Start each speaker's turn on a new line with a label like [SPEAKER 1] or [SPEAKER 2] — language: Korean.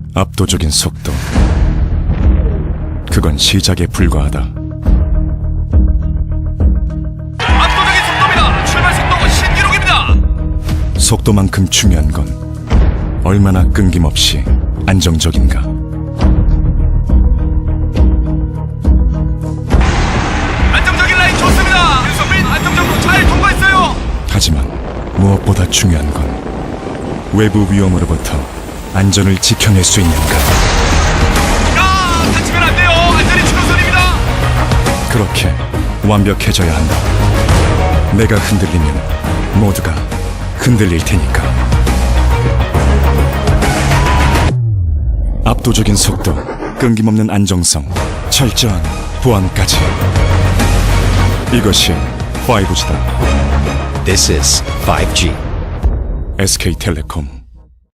[SPEAKER 1] 압도적인 속도. 그건 시작에 불과하다.
[SPEAKER 2] 압도적인 속도입니다. 출발 속도 신기록입니다.
[SPEAKER 1] 속도만큼 중요한 건 얼마나 끊김없이 안정적인가.
[SPEAKER 2] 안정적인 라인 좋습니다. 윤성민 안정적으로 잘 통과했어요.
[SPEAKER 1] 하지만 무엇보다 중요한 건 외부 위험으로부터 안전을 지켜낼 수 있는가.
[SPEAKER 2] 다치면 안 돼요. 안전이 최우선입니다.
[SPEAKER 1] 그렇게 완벽해져야 한다. 내가 흔들리면 모두가 흔들릴 테니까. 압도적인 속도, 끊김없는 안정성, 철저한 보안까지. 이것이 5G다.
[SPEAKER 3] This is 5G.
[SPEAKER 1] SK텔레콤.